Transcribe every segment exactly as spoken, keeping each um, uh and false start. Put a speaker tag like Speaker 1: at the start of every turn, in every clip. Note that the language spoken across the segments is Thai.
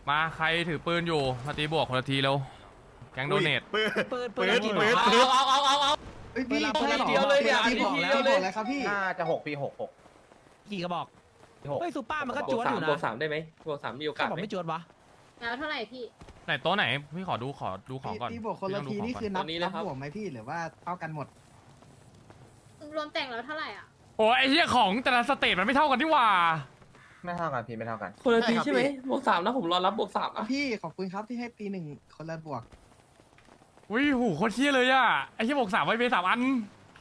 Speaker 1: มาใครถือปืนอยู่มาตีบวกคนละทีเร็วแก๊งโดเนท
Speaker 2: ปืน
Speaker 3: ปืนปื
Speaker 2: ปื
Speaker 3: น
Speaker 2: น
Speaker 3: กี่
Speaker 2: ปืน
Speaker 3: บอก
Speaker 2: ปืน
Speaker 3: เอาเอาเอาเอา
Speaker 4: เอ้ยพี่
Speaker 3: ปืน
Speaker 4: ใช่หรอ
Speaker 3: เดียวเลยเนี่ย
Speaker 4: พี่บอก
Speaker 3: อันนี้
Speaker 4: แล้ว
Speaker 3: เดียวเลย
Speaker 4: บอกแล้วครับพี่
Speaker 2: น่าจะหกปีหกหก
Speaker 3: กี่กระบอก
Speaker 2: หก
Speaker 3: เฮ้ยซูเปอร์มันก็
Speaker 5: บ
Speaker 3: จ
Speaker 5: ว
Speaker 3: ว
Speaker 5: ก
Speaker 3: ด
Speaker 5: สา
Speaker 3: อ
Speaker 5: ม
Speaker 3: ยู่นะ
Speaker 5: บวกสามได้ไหมบวกสามมีโอกา
Speaker 3: ข้า
Speaker 5: ส
Speaker 3: บอก
Speaker 5: ไหม
Speaker 3: ไม่จวดวะ
Speaker 6: แล้วเท่าไหร่พี่
Speaker 1: ไหนโต๊ะไหนพี่ขอดูขอดูของก่อน
Speaker 4: พี่บอกคนละทีนี่คือนับนับบวกไหมพี่หรือว่าเท่ากันหมด
Speaker 6: รวมแต่งแล้วเท่าไหร่อ่ะ
Speaker 1: โอ้ยไอ้เหี้ยของแต่ละสเตจมันไม่เท่ากันที่ว่า
Speaker 2: ไม่เท่ากันพี่ไม่เท่ากัน
Speaker 5: คนละที
Speaker 4: ใช่ครับ
Speaker 5: ใช่ไหม
Speaker 4: พี่
Speaker 5: บวกสามนะผมรอรับบวกสาม
Speaker 4: อ่ะ
Speaker 5: อ่ะ
Speaker 4: พี่ขอบคุณครับที่ให้ปีหนึ่งคนละบวก
Speaker 1: อุ้ยหูโคตรเที่ยเลยอ่ะไอ้เหี้ยบวกสามไว้เบสามอัน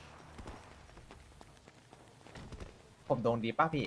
Speaker 2: ผมโดนดีป่ะพี่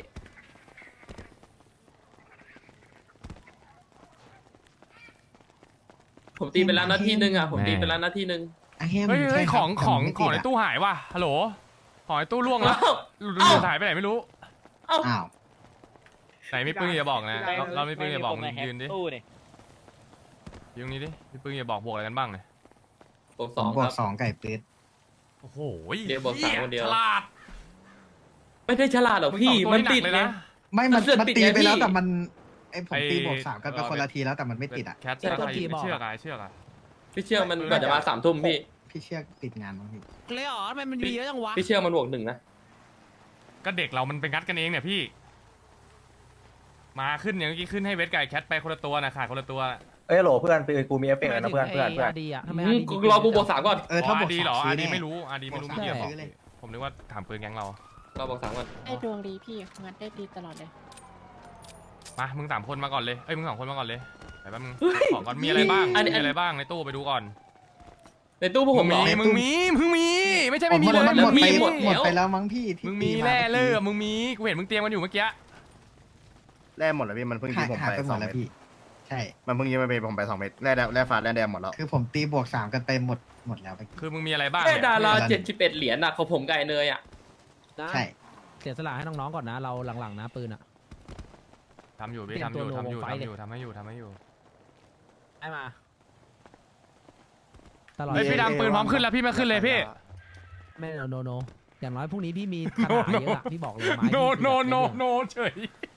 Speaker 5: ผมตีไปแล้วนาทีหนึ่งอ่ะผมตีไปแล้วนาทีหนึ่ง
Speaker 4: อ่ะแฮม
Speaker 1: เฮ้ยเฮ้ย
Speaker 4: ใช่
Speaker 1: ข
Speaker 4: ครับ
Speaker 1: อง
Speaker 4: แต่
Speaker 1: ของ
Speaker 4: มันไม่
Speaker 1: ของ
Speaker 4: ติ
Speaker 1: ใน
Speaker 4: ดะ
Speaker 1: ตู้หายว่ะฮัลโหลของในตู้ล่วงแล้ว
Speaker 5: อ้าว
Speaker 1: หลุดหลุดหายไปไหนไม่รู้
Speaker 5: เอ้า
Speaker 4: อ้าว
Speaker 1: ไหนมีปืนอย่าบอกนะเราเราไม่ปืนอย่าบอกมึงยืนดิ
Speaker 3: ตู้นี่
Speaker 1: ยืนนี้ดิมีปืนอย่าบอกบวกอะไรกันบ้างเนี่ย
Speaker 5: บวก
Speaker 4: ผ
Speaker 5: สอ
Speaker 4: ม
Speaker 5: ง
Speaker 4: บว
Speaker 5: ค
Speaker 4: ก
Speaker 5: รับ
Speaker 4: สองไก่ปืด
Speaker 1: โอ้โห
Speaker 5: เดี๋ยวบอกสามคนเดียว
Speaker 1: ฉลาด
Speaker 5: ไม่ได้ฉลาดหรอกพี่
Speaker 1: ง
Speaker 5: มัน
Speaker 1: สองตัว
Speaker 5: ติด
Speaker 1: หกเลย
Speaker 5: ไง
Speaker 1: นะ
Speaker 4: ไม่มัน
Speaker 5: มันเสือก
Speaker 4: มัน
Speaker 5: ติด
Speaker 4: ตี
Speaker 5: ไง
Speaker 4: ไปแล้ว
Speaker 5: พี่
Speaker 4: แต่มันไอผม
Speaker 1: ไอ้
Speaker 4: ตีบวกสามกันไป
Speaker 1: เออ
Speaker 4: คนละทีแล้วแต่มันไม่ติดอ่ะ
Speaker 1: แคทใครไม่เชื่อกอะเชื่อกอะ
Speaker 5: พี่เชื่อมันกว่าจะมาสามทุ่มพี่
Speaker 4: พี่เชือกติดงานมั้งพี่
Speaker 3: เลยเหรอทำไมมันมีเยอะจังวะ
Speaker 5: พี่เชื่อมันบวกหนึ่งนะ
Speaker 1: ก็เด็กเรามันเป็นงัดกันเองเนี่ยพี่ มาขึ้นอย่างเมื่อกี้ขึ้นให้เวทไก่แคทไปคนละตัวนะขาดคนละตัว
Speaker 2: เอ้ยโหลเพื่อนปืนกูมีเอฟเฟกต์นะเพื่อนเพื่อนเพื่อน
Speaker 3: ดีอะทำไม
Speaker 5: อืมรอกูบวกสามก่อน
Speaker 4: เออถ้าบวก
Speaker 1: ดี
Speaker 4: สาม
Speaker 1: เหรอ
Speaker 4: ซื้
Speaker 1: อา
Speaker 4: อ
Speaker 1: ดี
Speaker 4: แน่
Speaker 1: ไม่รู้อาดีไม่รู้
Speaker 4: บวก
Speaker 1: ไม่
Speaker 4: สาม
Speaker 1: เกี่ยว
Speaker 4: ซื้อเลย
Speaker 1: ผมนึกว่าถามปืนแก๊งเรา
Speaker 5: รอบวกสามก่อน
Speaker 6: ไอ้ดวงดีพี่งัดได้ดีตลอดเลย
Speaker 1: มามึงสามคนมาก่อนเลยเอ้ยมึงสองคนมาก่อนเลยไปแป๊บนึงของก่อนมีอะไรบ้างมีอะไรบ้างในตู้ไปดูก่อน
Speaker 5: ในตู้พวกผมเหรอ
Speaker 1: มีมึงมีมึงมีไม่ใช่
Speaker 4: ผ
Speaker 1: ไม่
Speaker 4: ม
Speaker 1: มี
Speaker 4: หม
Speaker 1: เล
Speaker 4: ด
Speaker 1: ย
Speaker 4: หมด
Speaker 1: มึง
Speaker 4: ไป
Speaker 1: มี
Speaker 4: หมดหมดไปแล้วมั้งพี่ที่
Speaker 1: มึงมี
Speaker 4: ตีา
Speaker 1: แร่เล่อ
Speaker 4: มื่อกี้
Speaker 1: มึงมีกูเห็นมึงเตรียมกันอยู่เมื่อกี้
Speaker 7: แร่หมดแล้วพี่มันเพิ่งยิ
Speaker 4: หาง ย
Speaker 7: ผม
Speaker 4: หาย
Speaker 7: ไป
Speaker 4: ไปห
Speaker 7: ส
Speaker 4: ม
Speaker 7: อ
Speaker 4: ด
Speaker 7: ง
Speaker 4: แล้ว
Speaker 7: เม็ด
Speaker 4: พี่ ใช่
Speaker 7: มันเพิ่งยิงไปผมไปสองเม็ดแร่แดงแร่ฟ้าแร่แดงหมดแล้ว
Speaker 4: คือผมตีบวกสามกันไปหมดหมดแล้วไป
Speaker 1: คือมึงมีอะไรบ้าง
Speaker 5: แค่
Speaker 1: เนี่ย
Speaker 5: ดาราเจ็ดสิบเอ็ดเหรียญน่ะของผมไก่เนยอ่ะ
Speaker 4: ใช่
Speaker 3: เสียสละให้น้องๆก่อนนะ เราหลังๆนะปืนอะ
Speaker 1: ทำอยู่พี่
Speaker 3: เตรียม
Speaker 1: ทำอยู่
Speaker 3: ตัว
Speaker 1: ทำอยู่
Speaker 3: ลงไฟ
Speaker 1: ทำ
Speaker 3: ดิ
Speaker 1: อยู่ทำให้อยู่ทำให้อยู่
Speaker 3: ได้มาตลอด
Speaker 1: เฮ้ยพี่ดำปืนพร้อมขึ้นแล้วพี่ไม่ขึ้นเลยพี่
Speaker 3: ไม่โนโนโนอย่างน้อยพรุ่งนี้พี่มีขนาดเยอะอะพี่บอกเลยไม้
Speaker 1: โน
Speaker 3: พี่
Speaker 1: โน
Speaker 3: คือ
Speaker 1: โน
Speaker 3: แบบ
Speaker 1: โนเฉย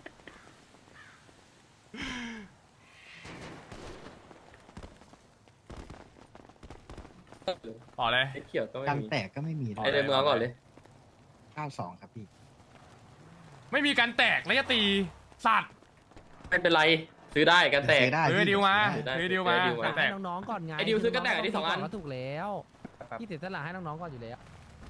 Speaker 1: ต่อเลย
Speaker 5: ไอ้เขียวก็ไม่
Speaker 4: กัน
Speaker 5: มี
Speaker 4: แตกก็ไม่มีด้ว
Speaker 5: ไอ้
Speaker 4: ย
Speaker 5: เดินมือเอาก่อนเลย
Speaker 4: เก้าสองครับพี่
Speaker 1: ไม่มีการแตกแล้วจะตีสัตว์
Speaker 5: ไม่เป็นไรซื้อได้กันแตก
Speaker 4: ซื้อได้
Speaker 1: เออ
Speaker 4: พี่
Speaker 1: ดิวมา
Speaker 4: ซื้อได้
Speaker 1: เออดิวมา
Speaker 5: เออดิวมา
Speaker 1: การแต
Speaker 3: ให้
Speaker 1: ก
Speaker 3: น้องๆก่อนไง
Speaker 5: ไอ้ดิวซื้อกระแตกอันที่สองอัน
Speaker 3: ก็ถูกแล้วพี่เสียสละให้น้องๆก่อนอยู่แล้ว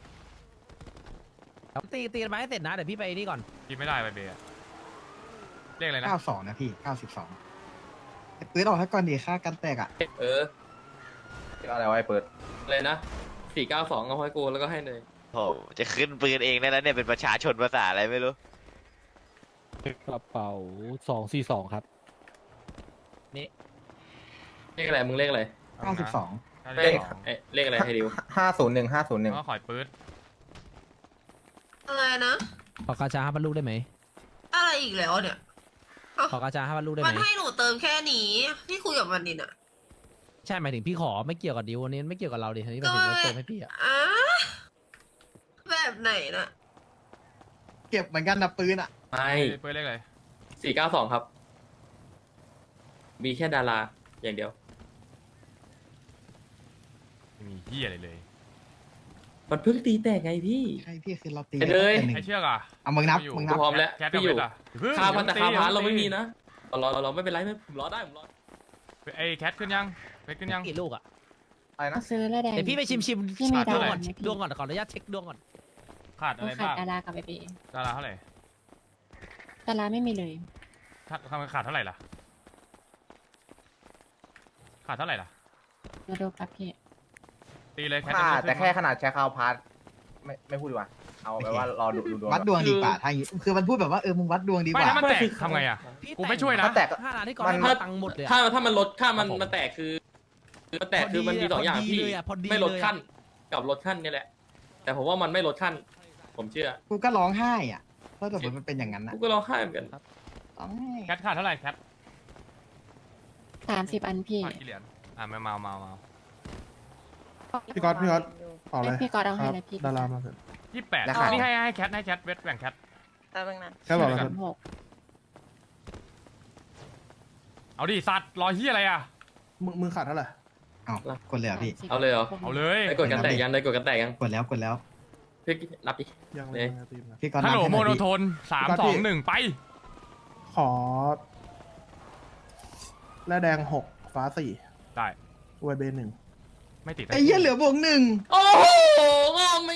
Speaker 3: ตีตีกันมาให้เสร็จนะเดี๋ยวพี่ไปนี่ก่อน
Speaker 1: กินไม่ได้ไปเบียร์เรียกอะไรนะ
Speaker 4: เก้าสองนะพี่เก้าสิบสองปืนออกให้ก่อนดีค่ากันแตกอ่ะ
Speaker 5: เออ
Speaker 2: อะไรวะไอ้เปิด
Speaker 5: เลยนะสี่เก้าสองเอาให้กูแล้วก็ให้เนย
Speaker 8: โอ้โหจะขึ้นปืนเองได้แล้วเนี่ยเป็นประชาชนภาษาอะไรไม่รู้
Speaker 9: กระเป๋าสองสี่สองครับ
Speaker 5: เลขอะไรมึงเลขอะไร
Speaker 4: เก้าสิบสอง
Speaker 1: เลข
Speaker 5: เอ้ยเลขอะไรให้ดิว
Speaker 2: ห้าศูนย์หนึ่งห้าศูนย์หนึ่ง
Speaker 1: ก็ขอยปื๊ด
Speaker 10: อะไรนะ
Speaker 3: ขอกาชาห้าพันลูกได้ไหม
Speaker 10: อะไรอีกแล้วเนี่ย
Speaker 3: ขอกาชาห้าพันลูกได้ไห
Speaker 10: มั
Speaker 3: ม
Speaker 10: นให้หนูเติมแค่นี้พี่คุยกับมันดิน่ะ
Speaker 3: ใช่หมายถึงพี่ขอไม่เกี่ยวกับดิวอันนี้ไม่เกี่ยวกับเราดิอันนี้หมายถึงว่าเติมให้พี่อะ
Speaker 10: อ่ะแบบไหนน่ะ
Speaker 4: เก็บเหมือนกันนะปืนอ่ะ
Speaker 5: ไม่
Speaker 1: ปื๊ดเลขอะไร
Speaker 5: สี่เก้าสองครับ มีแค่ดาราอย่างเดียว
Speaker 1: ไม่มีเหี้ยอะไรเลย
Speaker 5: มันเพิ่งตีแตกไงพี่
Speaker 4: ใช่พี่คือเราตี
Speaker 5: ไอ้เด้ย
Speaker 4: แต่หนึ่ง
Speaker 1: ไอเชือกอ่ะ
Speaker 4: เอามึงนับ
Speaker 1: ไม่อยู่
Speaker 4: มึง
Speaker 5: กู
Speaker 4: นับ
Speaker 5: พร้อมแล้ว
Speaker 1: แคท
Speaker 5: พี่อยู่
Speaker 1: กับเวทอ่ะเพิ่ง
Speaker 5: ค่าพันแต่ค่าพันเรา
Speaker 1: ตี
Speaker 5: ไม่มีนะรอรอรอไม่เป็นไรไม่ผมรอได้ผมรอ
Speaker 1: ไอแคทขึ้นยังเวทขึ้นยัง
Speaker 3: กี่ลูกอะ
Speaker 2: อะไรนะ
Speaker 6: ซื้อแล้วแดง
Speaker 3: เดี๋ยวพี่ไปชิมชิม
Speaker 6: พี่มี
Speaker 3: ดวง
Speaker 6: ดาว
Speaker 3: ก่อน
Speaker 6: ไหมพี่
Speaker 3: ดวงก่อนขออนุญาตเช็คดวงก่อน
Speaker 1: ขาดอะไร
Speaker 6: ขาด
Speaker 1: บ้าง
Speaker 6: ดารากับไอเบ
Speaker 1: ดาราเท่าไหร่
Speaker 6: ดาราไม่มีเลย
Speaker 1: ขาดขาดเท่าไหร่ล่ะขาดเท่าไหร่ล่ะ
Speaker 6: มาดูปั๊บพี่
Speaker 1: ตีเลยแคท
Speaker 2: ค่า
Speaker 1: จะไม่ขึ้น
Speaker 2: แต่แค่ขนาดแชร์คาวพาร์ทไม่ไม่พูดดีกว่า เอาไปว่ารอดูดูดวง
Speaker 4: วัดดวงดีกว่าถ้าอย่างงี้คือมันพูดแบบว่าเออมึงวัดดวงดีก
Speaker 1: ไม่
Speaker 4: ว่า
Speaker 1: ถ้ามันแตกทำไงอ่ะ กูไม่ช่วยนะ
Speaker 2: ถ้าแตก
Speaker 3: ห้าล้านที่ก่อน
Speaker 2: มัน
Speaker 3: ให้มาตังค์หมดเลยอะ
Speaker 5: ถ้าถ้ามันลดค่ามัน
Speaker 1: ครับผม
Speaker 5: มันแตกคือมันแตกคือมันมีสองอย่าง
Speaker 3: พอดี
Speaker 5: พี่
Speaker 3: เลยอะพอดี
Speaker 5: ไม่ลด
Speaker 3: เลยอะ
Speaker 5: ขั้นกับลดขั้นนี่แหละ แต่ผมว่ามันไม่ลดขั้น ผมเชื่อ
Speaker 4: กูก็ร้องไห้อ่ะถ้าสมมติมันเป็นอย่างนั้นนะ
Speaker 5: กูก็ร้องไห้เหมือนกัน
Speaker 4: ร้องไห้
Speaker 1: แคทขาดเท่าไหร่แคท
Speaker 6: สามสิบอันพี่
Speaker 1: ขาดกี่เหรียญอ่ะไม่เมาเมาเมา
Speaker 7: พี่ก๊อตพี่ก๊อตต่อเลย
Speaker 6: พี่กอดเอาให้เลยพี่
Speaker 7: ดารามาเสร็จ
Speaker 1: ยี่สิบแปด
Speaker 2: ราคา
Speaker 1: นี่ให้ให้แคทให้แคทเวทแบ่งแคท
Speaker 10: แป๊บนึงนะ
Speaker 7: แค่บอก
Speaker 1: ช่วย
Speaker 7: แล้
Speaker 1: กั
Speaker 7: วน
Speaker 6: หก
Speaker 1: เอาดิสัตว์รอเฮียอะไรอ่ะ
Speaker 7: มึงมึงขาดเท่าไหร่
Speaker 4: เอากดเลยเหรอพี่
Speaker 5: เอาเลยเหรอ
Speaker 1: เอาเลย
Speaker 5: ได้กดกันแตกยังได้กดกันแตกยัง
Speaker 4: กดแล้วกดแล้ว
Speaker 5: พี่รับดิ
Speaker 7: ยัง
Speaker 5: เอ๊ะ
Speaker 7: ยังตีมนะ
Speaker 4: พี่ก๊อต
Speaker 1: ฮัลโหล
Speaker 4: นับ
Speaker 1: โม
Speaker 4: ให้
Speaker 1: โน
Speaker 4: น่อย
Speaker 1: โท
Speaker 4: พี่
Speaker 1: นสาม
Speaker 7: พี่ก๊
Speaker 1: ส
Speaker 7: อ
Speaker 1: อ
Speaker 7: ต
Speaker 1: ง
Speaker 7: พี่
Speaker 1: หนึ่งไป
Speaker 7: ขอแร่แดงหกฟ้าสี่
Speaker 1: ได้
Speaker 7: ไวเบหนึ่ง
Speaker 1: ไม่ติด
Speaker 4: ไอ้เหี้ยเหลือบวกหนึ่ง
Speaker 5: โอ้โหงอมไม่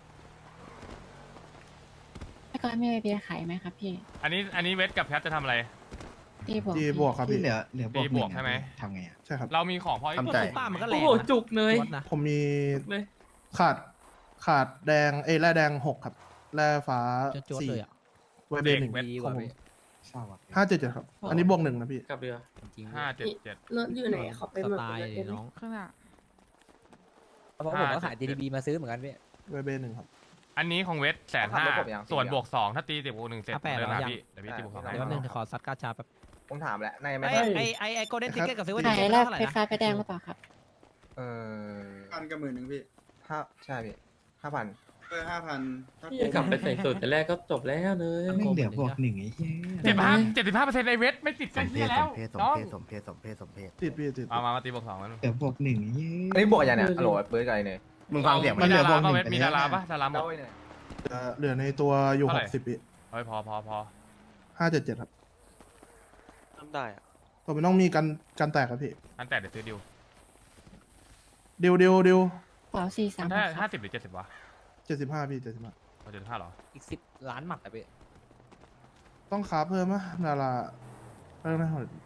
Speaker 6: พี่ก้อยมีไอเบียร์ขายไหมครับพี่
Speaker 1: อันนี้อันนี้เวทกับแพทจะทำอะไร
Speaker 6: ตีบวก
Speaker 7: จี
Speaker 6: พี่
Speaker 7: บวกครับ
Speaker 4: พี่
Speaker 7: พี่
Speaker 4: เหลือเหลือบวก
Speaker 1: ตี
Speaker 4: ห
Speaker 1: บ
Speaker 4: นึ่
Speaker 1: ว
Speaker 4: ง
Speaker 1: กใช่ไหม
Speaker 4: ทำไงอ่ะ
Speaker 7: ใช่ครับ
Speaker 1: เรามีของพอ
Speaker 4: ทำใจ
Speaker 3: ซุปเปอร์มันก็แร
Speaker 5: โอ้
Speaker 3: ง
Speaker 5: โห
Speaker 3: นะ
Speaker 5: จุกเลย
Speaker 3: จวดนะ
Speaker 7: ผมมี
Speaker 5: เลย
Speaker 7: ขาดขาดแดงเอ้ยแร่แดงหกครับแร่ฟ้า
Speaker 3: จวดๆ
Speaker 7: สี่
Speaker 3: เลยอ่ะ
Speaker 7: ไวเบหนึ่ง
Speaker 3: ดีก
Speaker 7: ขอ
Speaker 3: ว่าง
Speaker 7: ผม
Speaker 3: พี่
Speaker 4: เศร้าอ่ะ
Speaker 7: ห้าเจ็ดเจ็ดครับ อันนี้บวกหนึ่งนะพี่
Speaker 5: กลับเรือ
Speaker 3: จริงๆ
Speaker 1: ห้าเจ็ดเจ็ด
Speaker 10: รถอยู่ไหนเขาไป
Speaker 3: ส
Speaker 10: หมด
Speaker 3: ไตล์
Speaker 10: เลย
Speaker 3: น้อง
Speaker 11: ข้างหน้า
Speaker 1: เพราะผมก็ขาย จี ดี บี
Speaker 3: มาซื้อเหมือนกันพี่
Speaker 7: ไวเบหนึ่งครับ
Speaker 1: อันนี้ของเวทแสนห้า
Speaker 2: ขับรถผมยัง
Speaker 1: ส่วนบวกสองถ้าตีติดบวกหนึ่งเสร็จ
Speaker 3: อ่ะแปด
Speaker 1: เดิน
Speaker 3: เหรอ
Speaker 1: มา
Speaker 3: ยัง
Speaker 1: พี่เดี๋ยวพี่ตีบวกสองให้
Speaker 3: เดี๋ยวแป๊บนึงขอซัดกาชาแป๊บ
Speaker 2: ผมถามแล้วนายไม่
Speaker 3: ไอ้
Speaker 2: ได้
Speaker 3: ไอ้ไอ้ไอ้โกลเด้นทิกเก็ตกับซื้อวัน
Speaker 6: ขาย
Speaker 3: นี้
Speaker 6: แลก
Speaker 3: เท่าไหร่
Speaker 6: ไฟ
Speaker 3: นะ
Speaker 6: ฟ้าไปแดงหรือเปล่าครับ
Speaker 2: เออ
Speaker 4: พันกับหมื่นหนึ่งพี่
Speaker 2: ห้าใช่พี่ห้าพัน
Speaker 4: เออห้าพัน
Speaker 5: พี่จะกลับไปใส่สูตรแต่แรกก็จบแล้วเลย
Speaker 4: ไม่เหลือบวกหนึ่งไอ้เหี้ย
Speaker 1: เจ็ดห้าเจ็ดสิบห้าเปอร์เซ็นต์ในเวทไม่ติด
Speaker 12: ส
Speaker 1: กัน
Speaker 12: มเพ
Speaker 1: เฮีย
Speaker 12: ศ
Speaker 1: แล้ว
Speaker 12: สมเพศสม
Speaker 1: น้อง
Speaker 12: เพศสมเพศสมเพศสมเพศ
Speaker 7: ติดพี่ติด
Speaker 1: มามามาตีบวกสองมัน
Speaker 4: เหลือบวกหนึ่งไอ้เหี้ย
Speaker 2: อันนี้บวกยังเนี่ยฮัลโหลเบิร์ดกับไอ้เนี่ย
Speaker 12: มึงฟังเสียง
Speaker 1: มี
Speaker 12: มัน
Speaker 1: ดารา
Speaker 4: เหลือบวกหนึ่
Speaker 1: ป่ะ
Speaker 4: ง
Speaker 1: เวท
Speaker 4: ไป
Speaker 1: มี
Speaker 4: แล้ว
Speaker 1: ดาราป่ะดาราหม
Speaker 2: แล้
Speaker 1: ด
Speaker 2: วไอ้เนี่ย
Speaker 7: เอ่อเหลือในตัวอยู่
Speaker 1: เท่า
Speaker 7: ห
Speaker 1: ไหร่
Speaker 7: กสิบปี
Speaker 1: เฮ้ยพอพอพอ
Speaker 7: ห้าเจ็ดเจ็ดครับ
Speaker 8: ทำได้อะ
Speaker 7: ตัวมันต้องมีกันกันแตกครับพี่
Speaker 1: อันแต่เดี๋ยวซื้อดิว
Speaker 7: ดิวดิวดิว
Speaker 6: เป๋าสี่สาม
Speaker 1: มัน
Speaker 6: ห
Speaker 1: ได้
Speaker 6: กค
Speaker 1: ห้า
Speaker 6: รับ
Speaker 1: สิบหรือเจ็ดสิบวะ
Speaker 7: เจ็ดสิบห้าพี่เจ็ดสิบห้า
Speaker 1: เจ็ดสิบห้าหรอ
Speaker 3: อีกสิบล้านหมัดอ่ะพี่
Speaker 7: ต้องคาเพิ่มไหมดาราเพิ่มไหม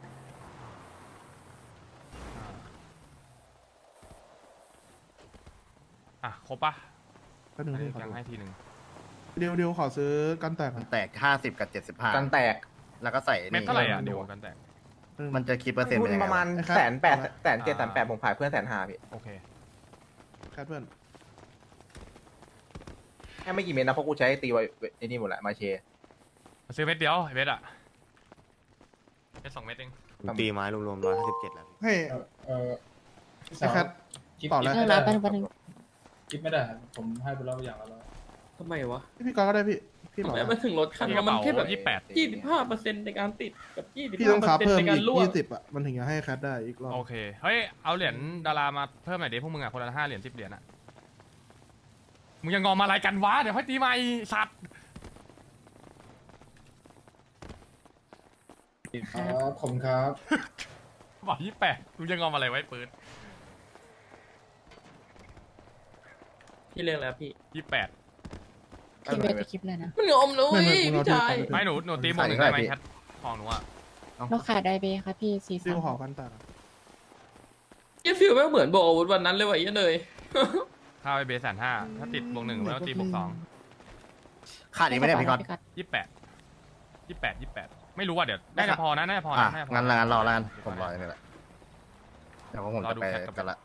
Speaker 1: อ่ะครบป่ะ
Speaker 7: แป๊บนึงพี่ขอ
Speaker 1: ยัง
Speaker 7: ดู
Speaker 1: ให้ทีหนึ่ง
Speaker 7: ดิวดิวขอซื้อกันแตกหน่อย
Speaker 12: แตกห้าสิบกับเจ็ดสิบห้า
Speaker 2: กันแตก
Speaker 12: แล้วก็ใส่
Speaker 1: เม็ด
Speaker 12: นี่
Speaker 1: เท่าไหร่อ่ะดิวกันแต่
Speaker 7: แป๊บนึง
Speaker 12: มันจะคิดเปอร์เซ็นต์
Speaker 2: ทุ
Speaker 12: เป็น
Speaker 2: น
Speaker 12: ยังไง
Speaker 2: ประมาณ
Speaker 7: ไอ้ครับ
Speaker 2: แสนแปดแสนเจ็ด
Speaker 1: อ่า
Speaker 2: แสนแปดผมขายเพื่อนแสนห้าพี่
Speaker 1: โอเค
Speaker 7: แคทเพื่อน
Speaker 2: แค่ไม่กี่เมตรนะเพราะกูใช้ตีไว้ไอ้นี่หมดแหละมาเช
Speaker 1: มาซื้อเม็ดเดียวไอ้เม็ดอ่ะเม็ดสองเม็ดเอง
Speaker 12: ตีไม้รวมๆร้อยห้าสิบเจ็ดแล้วพี่
Speaker 7: ให้ไอ้แคทต่อแล้ว
Speaker 6: เรื่องรับเป็นวันหนึ่ง
Speaker 9: คิดไม่ได้ครับผมให้ไปแล้วอย่างละร้อย
Speaker 5: ทำไมวะ
Speaker 7: พี่ก๊อตก็ได้พี่พี่
Speaker 5: ทำ
Speaker 7: ต่อ
Speaker 5: ไม
Speaker 7: แล้ว
Speaker 5: มันถึงลดคัน
Speaker 1: พี่กระ
Speaker 5: มัน
Speaker 1: เป๋า
Speaker 5: แค่แบบ
Speaker 1: ยี่สิบแปด
Speaker 5: ยี่สิบห้าเปอร์เซ็นต์ในการติดกับยี่สิบ
Speaker 7: พี่
Speaker 5: ห้า
Speaker 7: ต้อง
Speaker 5: เปอ
Speaker 7: คา
Speaker 5: ร์เซ็น
Speaker 7: เพิ่
Speaker 5: ต์
Speaker 7: ม
Speaker 5: ในกา
Speaker 7: อี
Speaker 5: ร
Speaker 7: ก
Speaker 5: ล่วง
Speaker 7: ยี่สิบอ่ะมันถึงจะให้แคทได้อีกรอบ
Speaker 1: โอเคเฮ้ยเอาเหรียญดารามาเพิ่มหน่อยดิพวกมึงอ่ะคนละห้าเหรียญสิบเหรียญอ่ะมึงยังงอมอะไรกันวะเดี๋ยวค่อยตีใหม่สัตว์
Speaker 9: ครับผมครับ
Speaker 1: บอกยี่แปดมึงยังงอมอะไรไว้ปืน
Speaker 5: พี่เรียกแล้วพี่
Speaker 1: ยี่แปด
Speaker 6: พี่เวทจะคลิปเลยนะ
Speaker 5: มันงอมเลย
Speaker 7: ไม่ไม่มึง
Speaker 5: พี่
Speaker 7: เอาที่
Speaker 5: ชาย
Speaker 7: ก่อน
Speaker 1: ไม่หนูหนูตีบวกหนึ่งได้ไหมแคทของหนูอ่ะ
Speaker 6: เราขายไดเบย์ครับพี่สี่
Speaker 7: ดิ
Speaker 6: สาว ม
Speaker 7: ขอกันแตก
Speaker 5: เยี่ยฟิลแม่งเหมือนโบกอาวุธวันนั้นเลยว่ะเยี่ยเลย
Speaker 1: ข้าวไปเบสแสนห้าถ้าติดบวกหนึ่งแล้วตีบวกสอง
Speaker 12: ขาดอีกไหมเนี่ยพี่ก๊อต
Speaker 1: ยี่แปดยี่แปดยี่แปดไม่รู้ว่าเดี๋ยวน่าจะพอนะน่าจะพอ
Speaker 12: อ่ะ
Speaker 1: นะน่าจะพอ
Speaker 12: งั้นงั้นรอแล้วกันผมรออย่างนี้แหละเดี๋ยวผมจะไปกันละ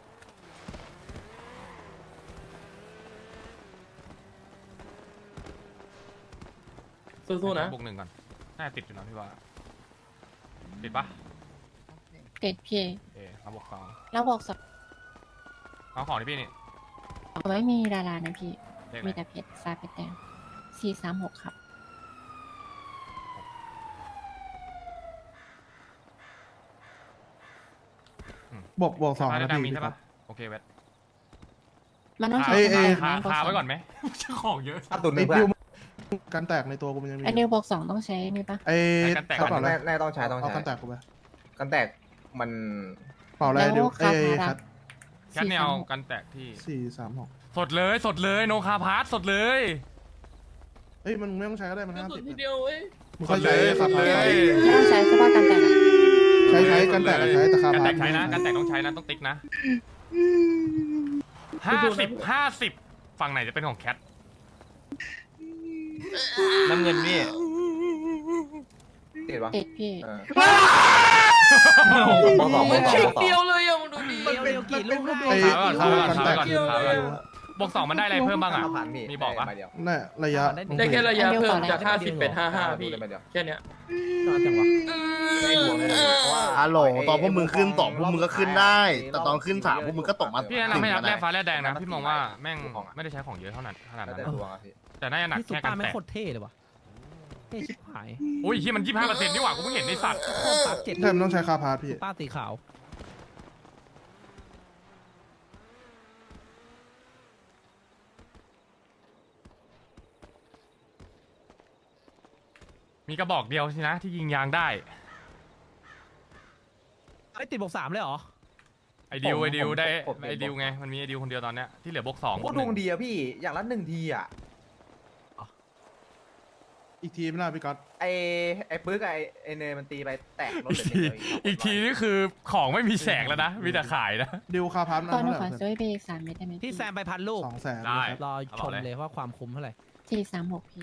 Speaker 5: สู้ๆนะ
Speaker 1: บวกหนึ่งก่อนน่าจะติดอยู่นะพี่ว่าติดปะ
Speaker 6: เด็ดพี่
Speaker 1: เอ๊ะเอาบวกสอง
Speaker 6: แล้วบอกสอง
Speaker 1: เอาของที่พี่นี่
Speaker 6: ไม่มีดารานะพี่
Speaker 1: เลขอะ
Speaker 6: มี
Speaker 1: ไร
Speaker 6: แต่เพชรฟ้าเพชรแดงสี่สามหกครับ
Speaker 7: บวกบวกสอง
Speaker 1: ได้
Speaker 7: นะ
Speaker 1: ได้
Speaker 7: พี่
Speaker 1: มี
Speaker 7: พี่
Speaker 1: ใช่
Speaker 7: ก๊อ
Speaker 1: ปะ
Speaker 7: ต
Speaker 1: โอเคเวท
Speaker 6: มันต้อง
Speaker 1: คา
Speaker 6: ใช้
Speaker 7: เอ้ย
Speaker 6: ส
Speaker 7: เอ้
Speaker 6: มาย ย
Speaker 1: คาไว้ก่อนไหมของเยอะ
Speaker 2: ถ้าตุนห
Speaker 7: ไอ้
Speaker 2: นึ่งเพื่
Speaker 7: ดิ
Speaker 2: อ
Speaker 7: วน กันแตกในตัวกูมันยังมี
Speaker 6: ไอเดียวบอกสองต้องใช้นี่ปะ
Speaker 7: ไอ้
Speaker 1: กันแตก
Speaker 7: กระเป๋าอะไร
Speaker 2: แน่แน่ต้องใช้ต้อง
Speaker 7: เอา
Speaker 2: ใช้
Speaker 7: กันแตกกูไป
Speaker 2: กันแตกมัน
Speaker 7: เป๋าอะไร
Speaker 6: แล้ว
Speaker 7: ดิว
Speaker 6: คา
Speaker 7: เอ้ย
Speaker 6: พา
Speaker 7: แค
Speaker 6: รั
Speaker 7: ท
Speaker 6: ก
Speaker 1: แคทเนี่ยเอากันแตกที่
Speaker 7: สี่สามหก
Speaker 1: สดเลยสดเลยโนคาพาร์ทสดเลย
Speaker 7: เอ้ยมันไม่ต้องใช้ก็ได้มัน
Speaker 5: กระ
Speaker 7: ห้า
Speaker 5: สุ
Speaker 7: สิ
Speaker 5: น
Speaker 7: บ
Speaker 5: ทีเดียวเว้ย
Speaker 7: มึงค่อยใช้คา
Speaker 1: เล
Speaker 7: พาร์
Speaker 1: ย
Speaker 6: ไม่ต้องใช้เฉพาะกันแต่ละ
Speaker 7: ใช้ใช้กันแตกใช้แต่คา
Speaker 1: กัน
Speaker 7: พา
Speaker 1: แต
Speaker 7: ร์
Speaker 1: กใช้นะกันแตกต้องใช้นะต้องติ๊กนะห้าสิบห้าสิบฝั่งไหนจะเป็นของแคท
Speaker 2: น้ำเงินพี่ติดปะ
Speaker 6: เด็ดพี่
Speaker 2: เออ
Speaker 5: โอ้โหมันคลิกเดียวเลยอ่ะมึงดูดิ
Speaker 3: เดียวเดียวกี่ลูกลูก
Speaker 7: ไอ้
Speaker 1: ถามก่อน
Speaker 7: กัน
Speaker 1: ถาม
Speaker 7: แต
Speaker 1: ก่อน
Speaker 7: ก
Speaker 1: ถามก่อนถามก่อนบวกสองมันได้อะไรเพิ่มบ้างอ่ะ
Speaker 2: ผ่านพี่
Speaker 1: มีบอกปะ
Speaker 2: ได้ใบเดียว
Speaker 7: น่ะระยะ
Speaker 5: ได้แค่ระยะ
Speaker 6: อันเดียว
Speaker 5: เพิ่
Speaker 6: ก่
Speaker 5: ม
Speaker 6: อนนะ
Speaker 5: จากห้าสิบเป็นห้าห้าพี่
Speaker 2: ได้ใบเดียว
Speaker 5: แค่เนี้ย
Speaker 3: นอนจังวะ
Speaker 2: ได้ดวงเลยเพราะว่า
Speaker 12: ฮัลโหลตอนพวกมึงขึ้นสองพวกมึงก็ขึ้นได้ แต่ตอนขึ้นสามพวกมึงก็ตกมา
Speaker 1: พี่แนะนำให้รับ
Speaker 12: ห
Speaker 1: แร่
Speaker 12: นึ่ง
Speaker 1: ฟ้าแร่แดงนะพี่มองว่าแม่งไม่ได้ใช้ของเยอะเท่านั้นขนาด
Speaker 2: แล้ว
Speaker 1: นั้น
Speaker 2: แต่
Speaker 1: นะ
Speaker 2: ดวงอะพี่
Speaker 1: แต่น่าจะหนัก
Speaker 3: พี่ซุป
Speaker 1: แค่
Speaker 3: เปอ
Speaker 1: กัน
Speaker 3: ร์ไม่
Speaker 1: แตก
Speaker 3: โคตรเท่เลยวะเฮ้ยชิบหาย
Speaker 1: โอ้ยที่มันยี่สิบห้าเปอร์เซ็นต์นี่หว่ากูเพิ่งเห็นในสัตว์
Speaker 3: โคตรตัดเจ็ด
Speaker 7: ใช่มันต้องใช้คาพาร์ทพี่
Speaker 3: ป้าสีขาว
Speaker 1: มีกระบอกเดียวสินะที่ยิงยางได้
Speaker 3: ไอ้ยติดบวกสามเลยเหรอ
Speaker 1: ไอดิว
Speaker 2: ผม
Speaker 1: ไอดิว
Speaker 2: ผม
Speaker 1: ได้
Speaker 2: ผมผม
Speaker 1: ไอดิวไงมันมีไอดิวคนเดียวตอนเนี้ยที่เหลือบวกสอง
Speaker 2: โคตรดวงดีอะพี่อย่างละหนึ่งทีอะ
Speaker 7: อีกทีไม่น่าพี่ก๊อต
Speaker 2: ไอไอปึ๊กกับไอไอเนยมันตีไปแตกรถ
Speaker 1: อีก
Speaker 2: เหลือ
Speaker 1: ที
Speaker 2: เดียว
Speaker 1: อีกทีนี่คือของไม่มีแสงแล้วนะมีแต่ขายนะ
Speaker 7: ดิวคาพาร์ทมัน
Speaker 6: ตอนหนู
Speaker 7: เท่าไห
Speaker 6: ขอ
Speaker 7: ร่
Speaker 6: ซื้อไปอีกสามเม็ดได้ไหม
Speaker 3: พี่แซมไปพันลูก
Speaker 7: สองแสน
Speaker 1: ได้
Speaker 3: รอ
Speaker 1: เอา
Speaker 3: ช
Speaker 1: บอก
Speaker 3: ม
Speaker 1: เลย
Speaker 3: เลยว่าความคุ้มเท่าไหร่
Speaker 6: สี่สามหกพี่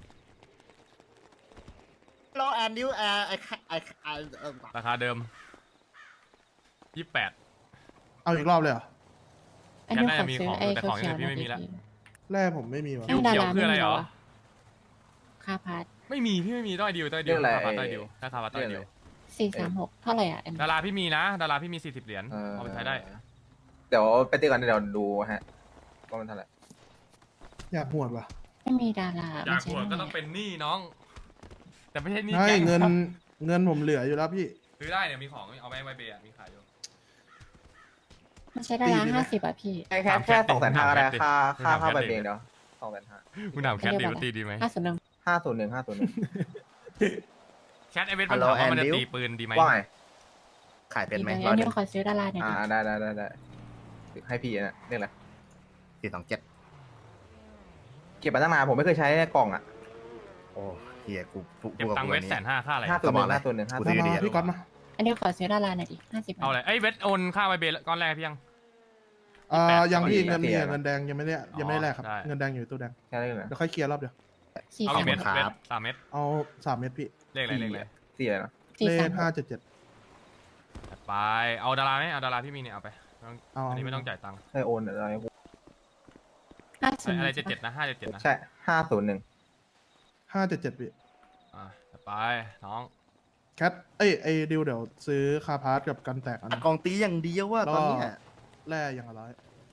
Speaker 12: รอแอนดิวแอร์ไอไอไอเออ
Speaker 1: ราคาเดิมยี่สิบแปด
Speaker 7: เอาอีกรอบเลยเหรอ
Speaker 6: อันนี้
Speaker 1: แกน่า
Speaker 6: ขอ
Speaker 1: จะมี
Speaker 6: ซื้อ
Speaker 1: ของ
Speaker 6: ไอ้
Speaker 1: แต่
Speaker 6: เขี
Speaker 1: ข
Speaker 6: ย
Speaker 1: อง
Speaker 6: ว
Speaker 1: อย่างอื่นพี่
Speaker 6: ๆ
Speaker 1: ไม่มีละ
Speaker 7: แร่ผมไม่มีว่ะ
Speaker 1: คิว
Speaker 6: ให้ดา
Speaker 1: เขียว
Speaker 6: รา
Speaker 1: คืออะไรเหรอ
Speaker 6: ม่มีวค่าพาร์ท
Speaker 1: ไม่มีพี่ไม่มีต้อยดิวต้อยดิ
Speaker 2: เรื่
Speaker 1: ว
Speaker 2: องอะไร
Speaker 1: ราคาต้อยดิวราคาต้อยดิว
Speaker 6: สี่สามหกเท่าไหร่อ่ะเอ็ม
Speaker 1: ดาราพี่มีนะ ดาราพี่มีสี่สิบเหรียญ
Speaker 2: เออ
Speaker 1: เอาไปใช้ได้
Speaker 2: เดี๋ยวไปตีกันเดี๋ยวดูฮะว่ามันเท่าไหร่
Speaker 7: อยากหวดว่ะ
Speaker 6: ไม่มีดารา
Speaker 1: อยาก
Speaker 6: ใช้
Speaker 1: หัว
Speaker 6: ได้
Speaker 1: ก็
Speaker 6: ไง
Speaker 1: ต้องเป็นหนี้น้อง แต่ไม่ใช่หนี้
Speaker 7: ใช่
Speaker 1: แก๊ง
Speaker 7: เงินเงินผมเหลืออยู่แล้วพี่
Speaker 1: ซื้อได้เนี่ยมีของเอาไปไวเบย์มีขายอยู่
Speaker 6: มันใช้ดาราห้าสิบอ่ะพี่
Speaker 2: แค่แค่
Speaker 1: ถามแค
Speaker 2: แค่
Speaker 1: ทดิ
Speaker 2: สองแสนห้าก็ได้
Speaker 1: ถามแคทดิ
Speaker 2: ค่าค่า
Speaker 1: ถามแคท
Speaker 2: ค่าไป
Speaker 1: ดิ
Speaker 2: เองเดี๋ยวสองแสนห้า
Speaker 1: มึงถามแคทดีว่าตีดีไหม
Speaker 6: ห้าสิบหนึ่ง
Speaker 2: ห้าศูนย์หนึ่งห้าศูนย์หนึ่ง
Speaker 1: แคทไอเวทมันถามว่ามันจะตีปืนดีไหม
Speaker 2: ว่าไง
Speaker 12: ขายเป็นไหม
Speaker 6: อั
Speaker 12: ร้อย
Speaker 6: น
Speaker 12: ห
Speaker 6: นี้
Speaker 12: นึ่ง
Speaker 6: ขอซื้อดาราหน่อย
Speaker 2: อ่า
Speaker 6: ดิ
Speaker 2: ได้ได้ได้ได้ให้พี่นะเรียกอะไร
Speaker 12: สี่สองเจ็ด
Speaker 2: เก็บมาตั้งนานผมไม่เคยใช้ในกล่องอ่ะ
Speaker 12: โอ้เฮียกูกู
Speaker 1: เก็บตังค์เวทแสนห้าค่าอะไร
Speaker 2: ห้าศูนย์หนึ่งห้าศูนย์หนึ่งห้า
Speaker 12: กู
Speaker 2: ศูน
Speaker 12: ซื้
Speaker 2: ย์
Speaker 12: อ
Speaker 2: ห
Speaker 12: ดี
Speaker 2: นึ่ง
Speaker 12: อะ
Speaker 7: พี่ก๊อตมา
Speaker 6: อันนี้ขอซื้อดาราหน่อยดิห้าสิบ
Speaker 1: เอาอะไรไอยเวทโอนค่าไวเบย์ก้อนแรกพี่ยัง
Speaker 7: เอ่อยังพี่
Speaker 2: ยี่สิบแปด
Speaker 7: เงินมี
Speaker 2: สี่
Speaker 7: เงินแดงยังไม่ได้ยังไม่ได้แลกครับ
Speaker 1: ได้
Speaker 7: เงินแดงอยู่ตู้แดง
Speaker 2: แค่นั้นเลย
Speaker 7: เดี๋ยวค่อยเคลียร์รอบเดียว
Speaker 6: สี่
Speaker 1: เอา
Speaker 6: สา
Speaker 1: กี่
Speaker 6: ม
Speaker 1: เม็ด
Speaker 6: หก
Speaker 1: เวทสามเม็ด
Speaker 7: เอาสามเม็ดพี่
Speaker 1: เลขอะไรเลขอะไร
Speaker 2: สี่อะไรนะ
Speaker 6: สี่
Speaker 7: เล
Speaker 6: สา
Speaker 7: ข
Speaker 6: มห
Speaker 7: ห้าก เจ็ดเจ็ด
Speaker 1: ไปเอาดาราไหมเอาดาราพี่มีเนี่ยเอาไป
Speaker 7: เอา
Speaker 1: อันนี้ไม่ต้องจ่ายตังค์
Speaker 2: เคยโอนอะไร
Speaker 6: ห้าศูนย์
Speaker 1: อะไรเจ็ดเจ็ดนะห้าเจ็ดเจ็ดนะ
Speaker 2: ใช่ห้าศูนย์หนึ่ง
Speaker 7: ห้าเจ็ดเจ็ดพี่
Speaker 1: อ่ะไปน้อง
Speaker 7: แคทเอ้ยไอ้ดิวเดี๋ยวซื้อคาพาร์ทกับกันแตกอัน
Speaker 12: กองตีอย่างเดียวว่าตอนเนี้ย
Speaker 7: แร่อย่างละร้อย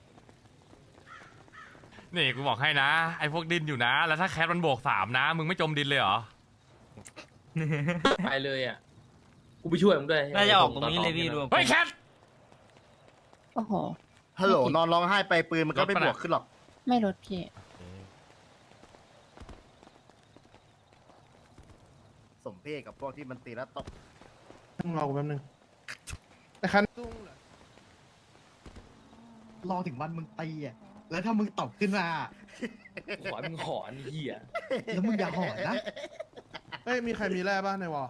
Speaker 1: นี่กูบอกให้นะไอพวกดินอยู่นะ แล้วถ้าแคทมันบวกสามนะ มึงไม่จมดินเลยเหรอ
Speaker 5: ไปเลยอ่ะ กูไปช่วยมึงด้วย
Speaker 9: น่าจะออกตรงนี้เลยพี่รวม
Speaker 1: เฮ้ยแคท
Speaker 6: โอ้โห
Speaker 12: ฮัลโหลนอนร้องไห้ไปปืนมันก็ไม่
Speaker 1: รถปะ
Speaker 12: บ
Speaker 1: น่ะ
Speaker 12: วกขึ้นหรอก
Speaker 6: ไม่ลดพี่
Speaker 12: สมเพศกับพวกที่มันตีแล้วตบ
Speaker 7: ต้องรอกูแป๊บนึงไอ้คัน
Speaker 4: รอถึงวันมึงตีอ่ะ แล้วถ้ามึงตอบขึ้นมา
Speaker 5: ขอให้มึงหอนไอ้เหี้ย
Speaker 4: แล้วมึงอย่าหอนนะ
Speaker 7: เอ้ยมีใครมีแร่บ้างในวอล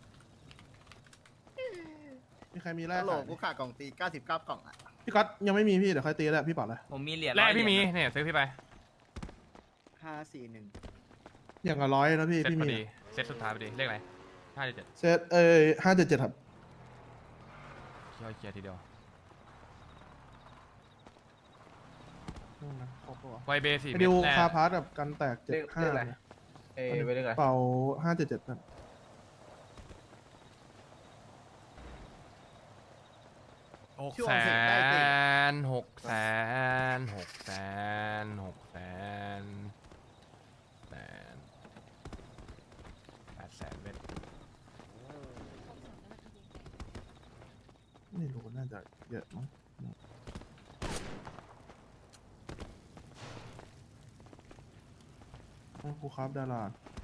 Speaker 7: มีใครมีแร่
Speaker 12: ฮัลโหล
Speaker 7: ขาย
Speaker 12: กูขาดกล่องตีเก้าสิบเก้ากล่องอ่ะ
Speaker 7: พี่ก๊อตยังไม่มีพี่เดี๋ยวค่อยตีแหละพี่เปล่าเลย
Speaker 9: ผมมีเหรียญ
Speaker 1: แรกพี่มี
Speaker 9: ร้อยเหรียญ
Speaker 1: เนี่ยซื้อพี่ไป
Speaker 12: ห้าสี่หนึ่ง
Speaker 7: อย่างละร้อยนะพี่
Speaker 1: เซต
Speaker 7: พี่
Speaker 1: พอ
Speaker 7: มี
Speaker 1: ดีเซตสุดท้ายพอดีเลขอะไรห้าเจ็ด
Speaker 7: เซตเอ้ยห้าเจ็ดเจ็ดครับ
Speaker 1: ย่อยเกียร์ทีเดียว
Speaker 7: ครบปะวะ
Speaker 1: ไวเบย์สี่
Speaker 7: ไอ้
Speaker 1: เม็
Speaker 7: ดิ
Speaker 1: ด
Speaker 7: ว
Speaker 1: แรก
Speaker 7: คาพาร์ทกับกันแตกเจ็ด
Speaker 2: เรียก
Speaker 7: ห้า
Speaker 2: เรียกอะไรเอ้ยไปเรียกอะไร
Speaker 7: เป่าห้าเจ็ดเจ็ดนั่น
Speaker 1: หกแสนหกแสนหกแสนหกแสนแสนแปดแสนเม็ด
Speaker 7: ไม่รู้น่าจะเยอะมั้งให้ครูครับดารา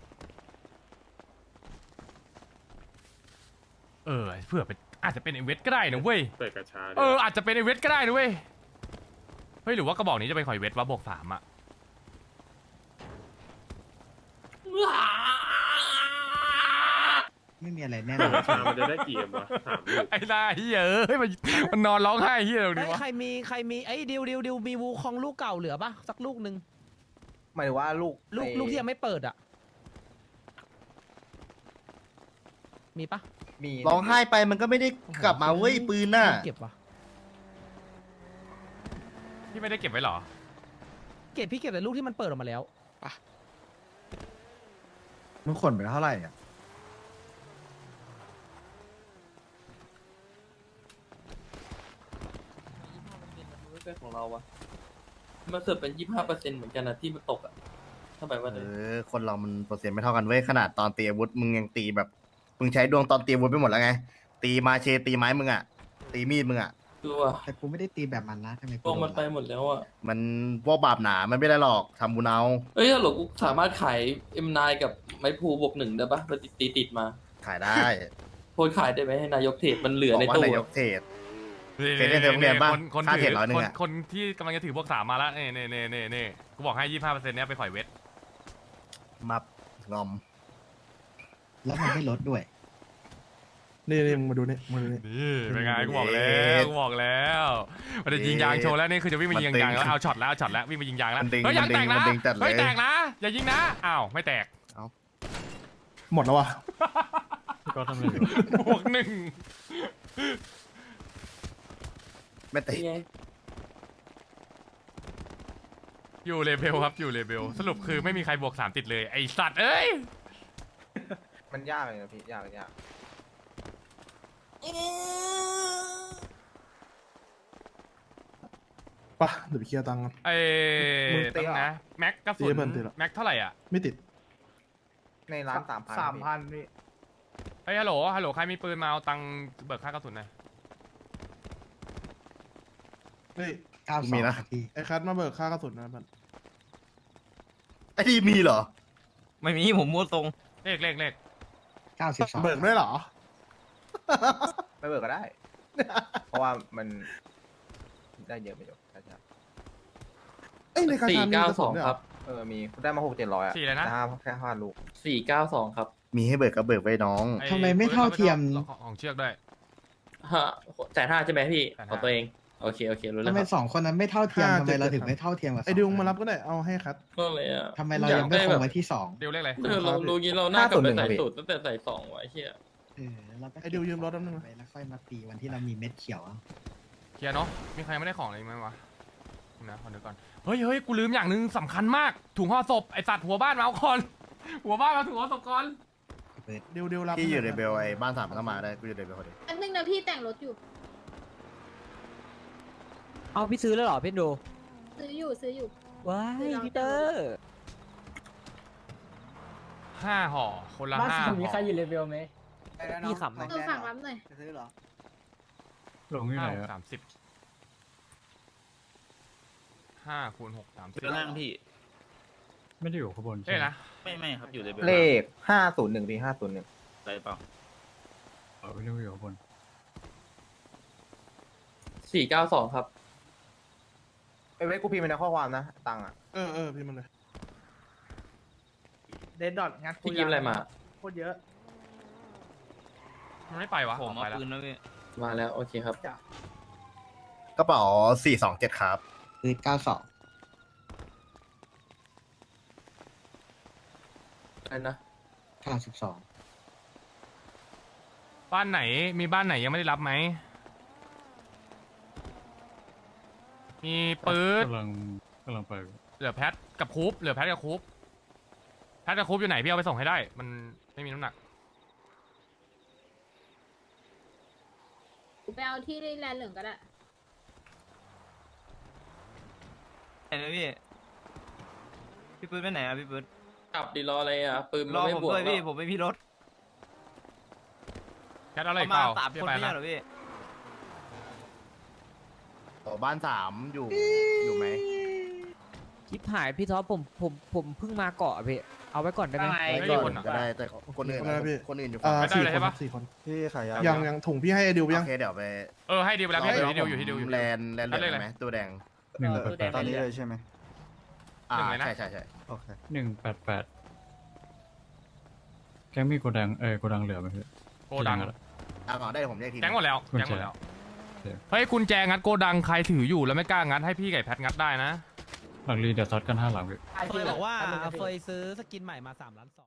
Speaker 1: เออเพื่อเป็นอาจจะเป็นไอเวทก็ได้นะเว้ย
Speaker 9: เปิดกระชา
Speaker 1: เอออาจจะเป็นไอเวทก็ได้นะเว้ยเฮ้ยหรือว่ากระบอกนี้จะเป็นข่อยเวทวะบวกสามอะ
Speaker 4: ไม่มีอะไรแน่น
Speaker 9: เปิ
Speaker 4: อ
Speaker 9: ด
Speaker 4: น
Speaker 9: กระชามันจะได้กี่เอ็มวะสามลูก
Speaker 1: ไอ้หน้าเฮียเอ้ยมันมันนอนร้องไห้เฮียตรง
Speaker 3: เฮ้
Speaker 1: นี้
Speaker 3: ยว
Speaker 1: ะ
Speaker 3: ใครมีใครมีไอ้ยดิวดิวดิวมีวูคองลูกเก่าเหลือปะสักลูกหนึ่ง
Speaker 2: หมายถึงว่าลูก
Speaker 3: ลูก
Speaker 2: ไอ้
Speaker 3: ลูกที่ยังไม่เปิดอ่ะ มีปะ
Speaker 2: มี
Speaker 12: ร้องไห้ไปมันก็ไม่ได้กลับมาเว้ยปืนน่ะ
Speaker 3: เก็บวะ
Speaker 1: พี่ไม่ได้เก็บไว้เหรอ
Speaker 3: เก็บพี่เก็บแต่ลูกที่มันเปิดออกมาแล้ว
Speaker 4: มึงขนไปเท่าไหร่อ่ะ
Speaker 5: ไม่ใช่ของเราวะมันเกิดเป็นยี่สิบห้าเปอร์เซ็นต์เหมือนกันนะที่มันตกอ่ะถ้าแบบว่า
Speaker 12: เออคนเรามันเปอร์เซ็นต์ไม่เท่ากันเว้ยขนาดตอนตีอาวุธมึงยังตีแบบมึงใช้ดวงตอนตีอาวุธไปหมดแล้วไงตีมาเชตีไม้มึงอ่ะตีมีดมึงอ่ะ
Speaker 5: คือว่า
Speaker 4: แต่กูไม่ได้ตีแบบมันนะทำไม
Speaker 5: พ
Speaker 4: กู
Speaker 5: วก
Speaker 4: โด
Speaker 5: มัน
Speaker 4: น
Speaker 5: ไป
Speaker 4: ล่ะ
Speaker 5: หมดแล้วอ่ะ
Speaker 12: มันพวกบาปหนามันไม่ได้หรอกทำบุญเอา
Speaker 5: เอ้ยถ้าหลกูสามารถขาย เอ็ม ไนน์ กับไม้พลูบวกหนึ่งได้ปะมันติดตีติดมา
Speaker 12: ขายได้
Speaker 5: โพสต์ขายได้ไหมให้นายกเทรดมันเหลือ
Speaker 12: บอก
Speaker 5: ใน
Speaker 12: ว่า
Speaker 5: ตู้
Speaker 12: นายก
Speaker 5: อะ
Speaker 12: เทรด
Speaker 1: นี่
Speaker 12: เคยได้เทรดโรงเรียนปะ
Speaker 1: คนคน
Speaker 12: ค่า
Speaker 1: ถื
Speaker 12: เทรดร้อยหนึ่
Speaker 1: ค
Speaker 12: ง
Speaker 1: น
Speaker 12: อะ
Speaker 1: คนที่กำลังจะถือพวกสามมาแล้วเน่เน่เน่เน่เน่กูบอกให้ยี่ห้าเปอร์เซ็นต์เนี้ยไปปล่อยเวท
Speaker 12: มับงอม
Speaker 4: แล้วมันไม่ลดด้วย
Speaker 7: นี่นี่มึงมาดูนี่มาดูนี่
Speaker 1: นี่เป็นไงกูบอกแล้วกูบอกแล้วมันจะยิงยางโชว์แล้วนี่คือจะวิ่งมายิงยางแล้วเอาช็อตแล้วเอาช็อตแล้ววิ่งมายิงยางแล้ว
Speaker 12: มันดึง
Speaker 1: เฮ้ยยางแตกนะ
Speaker 12: มันดึงจัดเลย
Speaker 1: เฮ้ยแตกนะอย่ายิงนะอ้าวไม่แตก
Speaker 7: หมดแล้ววะ
Speaker 9: พี่ก๊อตทำอะไรอยู่
Speaker 1: บวกหนึ่ง
Speaker 12: ไม่ติด
Speaker 5: นี่ไง
Speaker 1: อยู่เลเบลครับอยู่เลเบลสรุปคือไม่มีใครบวกสามติดเลยไอสัตว์เอ้ย
Speaker 2: มันยากเลยนะพี่ยากยาก
Speaker 7: ปะเดี๋ยวไปเคลียร์ตังค์กัน
Speaker 1: ไอ้ตั้งนะแม็กกระสุ
Speaker 7: ตี
Speaker 1: น
Speaker 7: เพิ่มตีละ
Speaker 1: แม็กเท่าไหร่อ่ะ
Speaker 7: ไม่ติด
Speaker 2: ในร้านสามพัน
Speaker 12: สามพันพี่
Speaker 1: เฮ้ยฮัลโหลฮัลโหลใครมีปืนมาเอาตังค์เบิกค่ากระสุนหน่อย
Speaker 7: เฮ้ย
Speaker 4: เก้าส
Speaker 12: มี
Speaker 4: อง
Speaker 12: นะ
Speaker 4: ครับพี่
Speaker 7: ไอ้คัทมาเบิกค่ากระสุนนะมัน
Speaker 12: ไอ้ที่มีเหรอ
Speaker 8: ไม่มีผมมั่วตรง
Speaker 1: เลขเลขเลข
Speaker 4: เก้าสิบสอง
Speaker 7: เบิกได้เหรอ
Speaker 2: ไม่เบิกก็ได้ เพราะว่ามันได้เยอะไปอยู่ใช่ใช่
Speaker 7: เอ้ยในคา
Speaker 5: สี่
Speaker 7: ชามี
Speaker 5: เก้าก
Speaker 7: ระ
Speaker 5: ส
Speaker 7: สุ
Speaker 5: อน ง
Speaker 7: ด้วย
Speaker 5: ค
Speaker 7: เหร
Speaker 5: รั
Speaker 7: อบ
Speaker 2: เออมีได้มาหกเจ็ดร้อยอะ
Speaker 1: สี่เลยนะ
Speaker 2: แต่ห้าแค่ห้าลูก
Speaker 5: สี่เก้าสองครับ
Speaker 12: มีให้เบิกก็เบิกไว้น้อง
Speaker 1: อ้
Speaker 4: ทำไมไม่เท่าเทียม
Speaker 1: ของของเชือกด้วย
Speaker 5: ฮะแสนห้าใช่ไหมพี่
Speaker 1: แสนห้า
Speaker 5: ของตัวเอง โอเค โอเค รู้แล้
Speaker 4: ทำ
Speaker 5: ว
Speaker 4: ไม
Speaker 5: ครับ
Speaker 4: สองคนนั้นไม่เท่าเทียมทำไมเราถึงไม่เท่าเทียมกับ
Speaker 7: ไอ้ดิวมารับก็ได้เอาให้คัท
Speaker 5: ก็เลยอ่ะ
Speaker 4: ทำไมเรายังไม่คงไว้ที่สอง
Speaker 1: เดียวเลขอะไร
Speaker 5: เออเรารู้งี้เราหน้ากลับไปใส่สูตรตั้งแต่ใส่สองไว้เฮีย
Speaker 4: เออเราก็
Speaker 7: ไอ้ดิวยืมรถแป๊บนึงนะ
Speaker 4: ไปแล้วค่อยมาตีวันที่เรามีเม็ดเขียวเอา
Speaker 1: เคลียร์เนาะมีใครไม่ได้ของอะไรอีกไหมวะนะขอดูก่อนเฮ้ยเฮ้ยกูลืมอย่างหนึ่งสำคัญมากถุงห่อศพไอสัตว์หัวบ้านมาเอาก่อนหัวบ้านมาถุงห่อศพก่อน
Speaker 7: ดิวดิวรับ
Speaker 12: ที่อยู่ในเบลไอ้บ้านสามมันก็มาได้กูอยู่ในเบลพอดี
Speaker 6: อันนึงนะพี่แต่งรถอยู่
Speaker 3: เอาพี่ซื้อแล้วเหรอพี่ดู
Speaker 6: ซื้ออยู่ซื้ออยู่
Speaker 3: ว้ายพี่เตอร์
Speaker 1: ห้าห่อคนละห้าห่อ
Speaker 3: พี่ขำไหม
Speaker 6: เออฝากรับหน่อย
Speaker 9: หลงที่ไหน
Speaker 1: ห้าหก
Speaker 9: อะ
Speaker 1: สามสิบห้าคูณหกสามสิบ
Speaker 8: ล่างพี่
Speaker 9: ไม่ได้อยู่ข้างบน
Speaker 1: เอ้ยนะ
Speaker 8: ไม่ไม่ครับอยู่ใน
Speaker 2: เลขห้าศูนย์หนึ่งพี่ห้าศูนย์หนึ่ง
Speaker 8: อะไรเปล่า
Speaker 9: เออไม่ได้อยู่ข้างบน
Speaker 5: สี่เก้าสองครับ
Speaker 2: ไอ้เว้ยกูพิมพ์ไปในข้อความนะตังค์อะ
Speaker 7: เออเออพี่มันเลย
Speaker 2: เดนดอทงัด
Speaker 5: พี่กิฟอะไรมา
Speaker 2: โคตรเยอะ
Speaker 1: มันไม่ไปวะ
Speaker 8: ผม
Speaker 1: ออก
Speaker 8: เอา
Speaker 1: ไปแล้ว
Speaker 8: ปืนแล้วพี่
Speaker 5: มาแล้ว โอเคครับ
Speaker 12: กระเป๋าสี่สองเจ็ดครับ
Speaker 4: คือเก้าสอง
Speaker 5: อะไรนะ
Speaker 4: เก้าสิบสอง
Speaker 1: บ้านไหนมีบ้านไหนยังไม่ได้รับไหมมีปื๊ด
Speaker 9: กำลังกำลังไป
Speaker 1: เหลือแพทกับคูปเหลือแพทกับคูปแพทกับคูปอยู่ไหนพี่เอาไปส่งให้ได้ มันไม่มีน้ำหนัก
Speaker 6: ไปเอาที่แลนด์เหลืองก็ได้
Speaker 8: ไหนนะพี่ พี่ปืนไปไหนอ่ะพี่ปืน
Speaker 5: กลับดีรออะไรอ่ะ ปืน
Speaker 8: ร
Speaker 5: มัน
Speaker 8: อ
Speaker 5: ไม่
Speaker 8: ผม
Speaker 5: บวก
Speaker 8: ด้วย
Speaker 5: หร
Speaker 8: พี่
Speaker 5: อก
Speaker 8: ผมไม่มีรถ
Speaker 1: แพทเอาอะไร
Speaker 8: เอา
Speaker 1: อีกเป
Speaker 8: มา
Speaker 1: ล่า
Speaker 8: สาม
Speaker 1: พี่
Speaker 8: คน
Speaker 1: ไป
Speaker 8: ไม่
Speaker 1: นะ
Speaker 8: ใช่เหรอพี่
Speaker 12: ต่อบ้านสามอยู่อยู่ไหม
Speaker 3: ชิปหายพี่ท็อปผมผมผมเพิ่งมาเกาะพี่เอาไว้ก่อนได้ไหม
Speaker 1: ไม่
Speaker 12: ไม่
Speaker 1: มี
Speaker 12: ก่
Speaker 1: ค
Speaker 12: อน
Speaker 1: นอ่ะ
Speaker 12: ก็ได้แต่คนอื่น
Speaker 7: อะไรนะพี่
Speaker 12: คนอื่นอยู่
Speaker 7: อ่า
Speaker 12: ฝั่ง
Speaker 1: ไม่ได้
Speaker 7: สี่
Speaker 1: เลย
Speaker 7: ค
Speaker 1: ใช่ปะ
Speaker 7: นสี่คน
Speaker 12: พี่ขายยา
Speaker 7: ยังยังถุงพี่ให้ไอ้ดิวยัง
Speaker 12: โอเคเดี๋ยวไป
Speaker 1: เออให้ดีไปแล้วพี่อยู่ที่เดียวอยู่ที่เดียวอยู่ที่
Speaker 12: แล
Speaker 1: เดียวน
Speaker 12: แลนเหลืองไหมตัวแดง
Speaker 9: หนึ่งแปดแปด
Speaker 12: ตอนนี้เลยใช่ไหมอ่า
Speaker 1: หนึ่งเลยนะ
Speaker 12: ใช่ใช่ใช่
Speaker 4: โอเค
Speaker 9: หนึ่งแปดแปดแก๊งมีโกดังเออโกดังเหลือไหมพี่
Speaker 1: โกดัง
Speaker 9: ที่ไหนอะ
Speaker 12: อ่าก่อนได้ผมเรียกที
Speaker 1: แจ้งหมดแล้ว
Speaker 9: กุญแจ
Speaker 1: แจ้งหมดแล้ว
Speaker 9: โอเค
Speaker 1: เฮ้ยกุญแจงัดโกดังใครถืออยู่แล้วไม่กล้างัดให้พี่ไก่แพทงัดได้นะ
Speaker 9: หลังรีเดี๋ยวซัดกันห้าหลังพี่
Speaker 3: เฟยบอกว่าเฟยซื้อสกินใหม่มาสามล้านสอง